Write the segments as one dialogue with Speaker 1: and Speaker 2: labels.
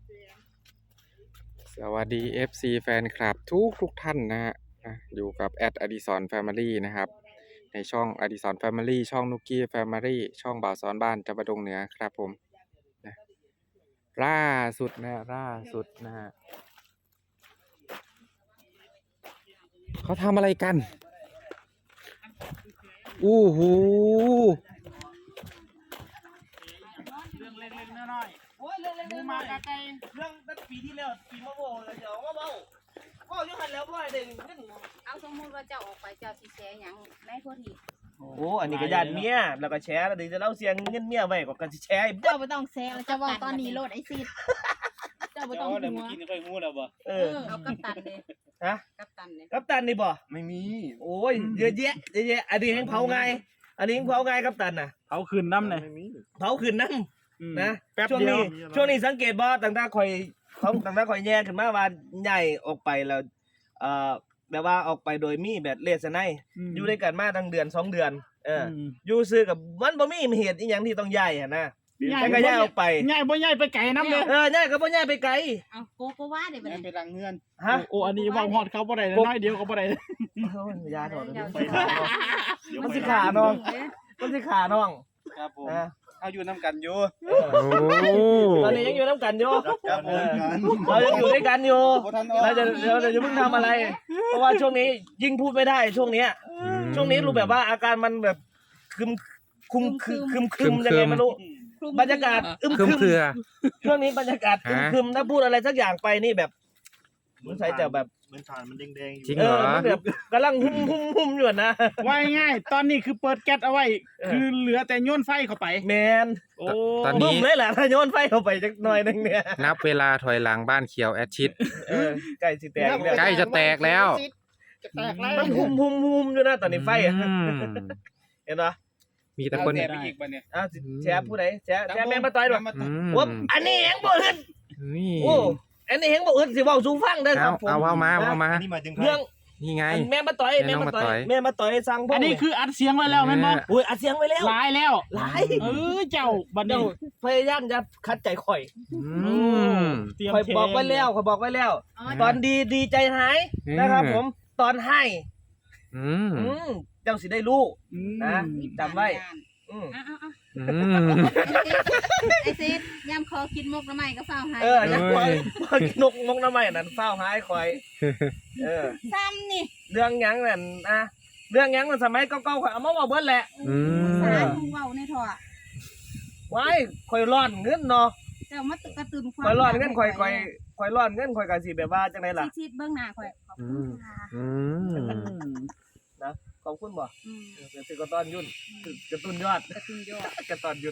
Speaker 1: สวัสดี FC แฟนคลับทุกท่านนะฮะอยู่กับแอดอดิศรแฟมิลี่นะครับในช่องอดิศรแฟมิลี่ช่องนุกกี้แฟมิลี่ช่องบ่าวสอนบ้านจับดงเหนือครับผมนะล่าสุดนะฮะเขาทำอะไรกันอู้หู
Speaker 2: เรื่องเล็กๆน้อยๆโอ้ยเรื่องเล็กๆมาไกลเรื่องตั้งปีที่แล้วปีมะโม่เลยเดี๋ยวว่าเบ้าอยู่หันแล้วบ่อยเด้งเงิน
Speaker 3: เอาสมมุติว่าเจ้าออกไปเจ้าสิแชร์หยังในโพธิ
Speaker 2: โอ้อันนี้ก็ญาติเมียแล้วก็แชร์แล้วเดี๋ยวจะเล่าเสียงเงินเมียไว้ก็กันสิแชร์
Speaker 3: เจ้าบ่ต้องแชร์เจ้าเว้าตอนนี้โลดไอ้ซิดเจ้าบ่ต้องหัว
Speaker 2: เออ
Speaker 3: เอากัปตันเด้
Speaker 2: ฮะ
Speaker 3: กัปตันเด้
Speaker 2: กัปตันนี่บ่
Speaker 4: ไม่มี
Speaker 2: โอ้ยเยอะแยะอันนี้แห้งเผาไงกัปตันน่ะ
Speaker 4: เอาคืนน้ำเลย
Speaker 5: ไม่มี
Speaker 2: เผาขึ้นน้ำนะ
Speaker 4: แป๊บ
Speaker 2: ช่วง
Speaker 4: เดียว
Speaker 2: นี้สังเกตบ่ต่างๆข่อยแย่ขึ้นมาว่าใหญ่ออกไปแล้วแบบว่าออกไปโดยมีแบบเลสไนอยู่ด้วยกันมาตั้งเดือน2 เดือนอยู่ซื้อกับมันบ่มีเหตุอีหยังที่ต้องย้ายหั่นนะแต่ก็ย้ายออกไป
Speaker 4: ง่ายบ่ง่ายไปไก่น้ำเลย
Speaker 2: ย้ายก็บ่ย้ายไปไกล
Speaker 3: เอาโกว่าเด้บัด
Speaker 5: แม่
Speaker 3: นี้
Speaker 5: ไปรังเงื่อน
Speaker 2: ฮะ
Speaker 4: โอ้อันนี้ว่าฮอดเขาบ่ได้น้อยเดียวก็บ่ได้
Speaker 2: โอ้ยยาถอด
Speaker 3: เจ้า
Speaker 2: มันสิขาน้องมันสิขาน้อง
Speaker 5: ครับผม
Speaker 2: นะ
Speaker 5: เอาอยู่น้ำกันอยู่
Speaker 1: โอ้
Speaker 2: ตอนนี้ยังอยู่น้ำกันอยู่
Speaker 5: ครับผมกัน
Speaker 2: เรายังอยู่ด้วยกันอยู่
Speaker 5: บ่ทันออก
Speaker 2: เราจะเพิ่งทำอะไร เพราะว่าช่วงนี้ยิ่งพูดไม่ได้ช่วงเนี้ย ช่วงนี้รู้แบบว่าอาการมันแบบคุมยังไงไม่รู้บรรยากาศ
Speaker 1: เครือ
Speaker 2: ช่วงนี้บรรยากาศคึมถ้าพูดอะไรสักอย่างไปนี่แบบมันใส่จะแบบ
Speaker 5: เหมือนฐานมันแดงๆอยู่
Speaker 1: จริงเหรอ
Speaker 2: มันแบบกำลังหุ่มอยู่นะ
Speaker 4: ว่าง่ายตอนนี้คือเปิดแก๊สเอาไว้ คือเหลือแต่โยนไฟเข้าไป
Speaker 2: แมน
Speaker 4: โอ้
Speaker 1: ตอน
Speaker 2: บึ้
Speaker 1: นี้
Speaker 2: มเลยแหละถ้าโยนไฟเข้าไปจักหน่อยนึงเนี่ย
Speaker 1: นับเวลาถอยหลังบ้านเขียวแอดชิด
Speaker 2: ใกล้สิแตกแล้ว
Speaker 1: ใกล้จะแตกแล้ว
Speaker 5: จะแตกแล้ว
Speaker 2: มันหุ่มอยู่นะตอนนี้ไฟอ่ะ
Speaker 1: อืม
Speaker 2: เห็นปะ
Speaker 1: มีแต่คน
Speaker 5: เอาแตกไปอีกบัดเนี่ย
Speaker 2: อ้าวแชร์ผู้ใดแชร์แม่มาต่อยด้วย
Speaker 1: อืม
Speaker 2: วบอันนี้เฮงบ่อึด
Speaker 1: นี่
Speaker 2: โอ้อันนี้เฮงบ่อึดสิเว้าสู่ฟังเด้อครับผม
Speaker 1: เอามา
Speaker 5: อันนี้มาถึงใคร
Speaker 2: เรื่อง
Speaker 1: นี่ไง
Speaker 2: แม่มาต่อย
Speaker 1: แม่น้องมาต่อย
Speaker 2: แม่มาต่อยสั่งพวก
Speaker 4: อันนี้คืออัดเสียงไว้แล้วแม่นบ่
Speaker 2: อุ้ยอัดเสียงไว้แล้ว
Speaker 4: หลายแล้ว
Speaker 2: หลาย
Speaker 4: เจ้าบัด
Speaker 2: เจ้า
Speaker 4: นี้
Speaker 2: พยายามจะคัดใจข่อย
Speaker 1: อืม
Speaker 4: เตรียม
Speaker 2: ข่อย
Speaker 4: เท
Speaker 2: บอกไว้แล้วข่อยบอกไว้แล้ว
Speaker 3: เอา
Speaker 2: ตอนดีใจหาย
Speaker 1: อืม
Speaker 2: นะครับผมตอนให้
Speaker 1: อืม
Speaker 2: เจ้าสิได้รู้
Speaker 4: อืม
Speaker 2: นะ จำไว้ อืม
Speaker 3: เอา
Speaker 1: อืม
Speaker 3: ไอ้ซิดยามคอกินมกน้ำใหม่ก็เฝ้าให้
Speaker 2: อย่าปล่อยนกมกน้ำไม้นั่นเฝ้าหายข่อย
Speaker 3: ซ้ำนี่
Speaker 2: เรื่องหยังนั่นนะเรื่องหยังมันสมัยเก่าๆข่อยเอามาเว้าเบิดแหละ
Speaker 1: อืม
Speaker 3: สารมึงเว้าในท่อ
Speaker 2: ไว้ข่อยร้อนเงินเนาะ
Speaker 3: เจ้ามาตึกกระตุ้นความ
Speaker 2: ข่อยร้อนเงินข่อยร้อนเงินข่อยก็สิแบบว่าจังได๋ล่ะ
Speaker 3: ซิดเบิ่งหน้าข่อยขอบคุณค่ะ
Speaker 1: อืม
Speaker 2: ขอบคุณบ่
Speaker 3: อืม
Speaker 2: คือกระต้อนยุ่นกระตุ้นยอด
Speaker 3: กระตุ้นยอด
Speaker 2: กระต้อนยุ่น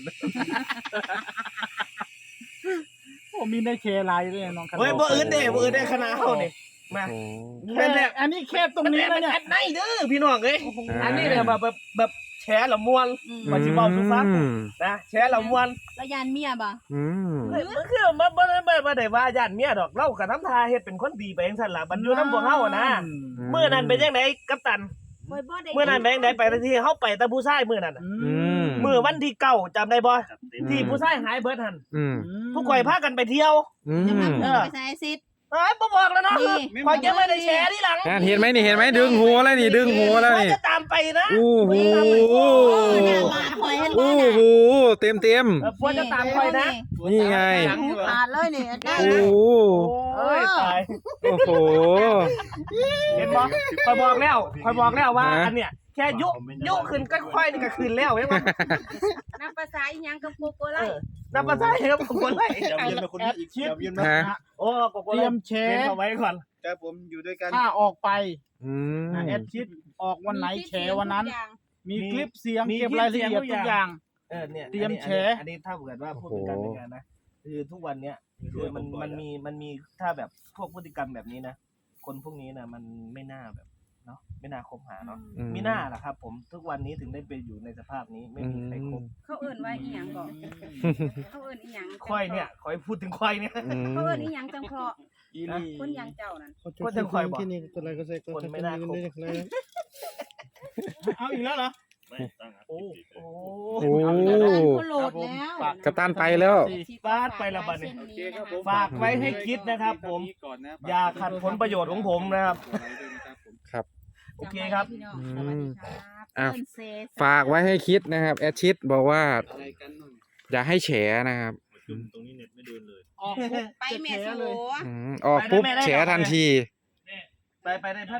Speaker 4: โอ้มีได้แชร์หลายเลยน้องคัน
Speaker 2: เฮ้ยบ่อื่นเด้คณะเฮานี่มา
Speaker 1: โอ้
Speaker 4: แค่อันนี้แค่ตรงนี้นะเนี่ย
Speaker 2: แอดไหนเด้อพี่น้องเอ้ย
Speaker 1: อ่า
Speaker 2: อันนี้เนี่ยแบบแชร์ละม่วน ว่าสิเว้าสู่ฟัง นะแชร์ละม่วน
Speaker 3: แล้วยานเมียบ่
Speaker 1: อืม
Speaker 2: เฮ้ยมันคือบ่ได้ว่าญาติเมียดอกเราก็ทำท่าเฮ็ดเป็นคนดีไปจังซั่นล่ะบัดอยู่นำพวกเฮาอะนะมื้อนั้นเป็นจังไดกัปตัน
Speaker 3: บ่บ่ได้
Speaker 2: มื้อนั้นเป็นจังไดไปที่เฮาไปแต่ผู้ชายมื้อนั้นน่ะ
Speaker 1: อืม
Speaker 2: มื้อวันที่9จำได้บ่ที่ผู้ชายหายเบิดหั่น
Speaker 1: อืม
Speaker 2: ทุกข่อยพากันไปเที่ยว
Speaker 1: อื
Speaker 3: จะมาม เพิ่นไปใส่ไอ้ซิด
Speaker 2: เอ้ยบ่บอกแล้วเนาะ
Speaker 3: นี่
Speaker 2: ข่อยจะไม่ได้แชร์ทีหลัง
Speaker 1: เห็นไหมนี่เห็นไหมดึงหัวแล้วนี่ดึงหัวแล้ว
Speaker 2: ข่อย
Speaker 1: นี่
Speaker 2: จะตามไปนะ
Speaker 1: โอ้โห
Speaker 3: หน้ามาข่อยเห็นบ่
Speaker 1: โอ้
Speaker 3: น่ะ
Speaker 1: โหเต็ม
Speaker 2: ควรจะตามข่อยนะ
Speaker 1: นี่ไง
Speaker 3: หูขาดเลยนี่ได้
Speaker 1: โอ้
Speaker 3: นะ
Speaker 1: โห
Speaker 2: โอ้ยตาย
Speaker 1: โอ้โห
Speaker 2: เห็นบ่ข่อยบอกแล้วว่าอันเนี้ยแค่ยุขึ้นก็ค่อยนี่ก็ขึ้นแล้วเห็นบ่
Speaker 3: นับภาษาอีหยังกับโกโกไล
Speaker 2: นับภาษาครับผมคนไร
Speaker 5: เดี๋ยวเวียนมาคนนี้อีกเดี๋ยวเวียนมา
Speaker 1: ฮะ
Speaker 2: โอ้โกโก้
Speaker 4: เตรียมแช
Speaker 2: เล่น
Speaker 4: ร์
Speaker 2: เอาไว้ก่อน
Speaker 5: ครับผมอยู่ด้วยกัน
Speaker 4: ถ้าออกไป
Speaker 1: อืม
Speaker 4: แอดชิดออกวันไหนแชร์วันนั้น
Speaker 3: ทุกอย่าง
Speaker 4: มีคลิปเสียงเก็บรายละเอียดทุกอย่าง
Speaker 2: เนี่ย
Speaker 4: เตรียมแชร์
Speaker 2: อันนี้ถ้าเกิดว่าพูดถึงการเป็นงานนะคือทุกวันเนี้ยคือมันมีถ้าแบบพวกพฤติกรรมแบบนี้นะคนพวกนี้นะมันไม่น่าแบบเนาะไม่น่าคบหาเนาะไม่น่าล่ะครับ ผมทุกวันนี้ถึงได้ไปอยู่ในสภาพนี้ไม่มีใครคบ
Speaker 3: เขาเอิ้นว่าอีหยังก่อนเขาเอิ้นอีหยัง
Speaker 2: ค่อยเนี่ยคอยพูดถึงค่อยเนี่ย
Speaker 1: อืม
Speaker 3: เขาเอิ้นอีหยังจังเพราะ
Speaker 5: อีนี่
Speaker 3: คนอย่างเจ้านั่น
Speaker 2: ก็จะคอยบอก
Speaker 5: ที่นี่ตัวอะไรก็ใส่ก็
Speaker 2: คนไม่น่าคบ
Speaker 4: เอาอีกแล้วเหรอ
Speaker 5: ไม่ตั้ง
Speaker 2: โอ้
Speaker 1: โอ้
Speaker 3: เอาอีกแล้วนะคนโหลดแล้ว
Speaker 1: กัปตันไปแล้ว
Speaker 2: ฟาดไปละบัดนี้
Speaker 3: โอเคครับผม
Speaker 2: ฝากไว้ให้คิดนะครับผม อย่าขัดผลประโยชน์ของผมนะครับ
Speaker 1: ครับ
Speaker 2: โอเคครับ
Speaker 3: สวัสดีครับ
Speaker 1: อ่ะ
Speaker 3: เอิ้นเซ
Speaker 1: ฝากไว้ให้คิดนะครับแอดชิดบอกว่าอย่าให้แฉนะครับ
Speaker 5: ตรงนี้เน็ตไม่เดินเลย
Speaker 4: ออกปุ๊บ
Speaker 3: ไปแม่
Speaker 4: จะ
Speaker 3: โส
Speaker 4: แฉเลย
Speaker 1: ออกปุ๊บ
Speaker 2: ไปได้ไหม
Speaker 1: แฉทันที
Speaker 2: ไปได้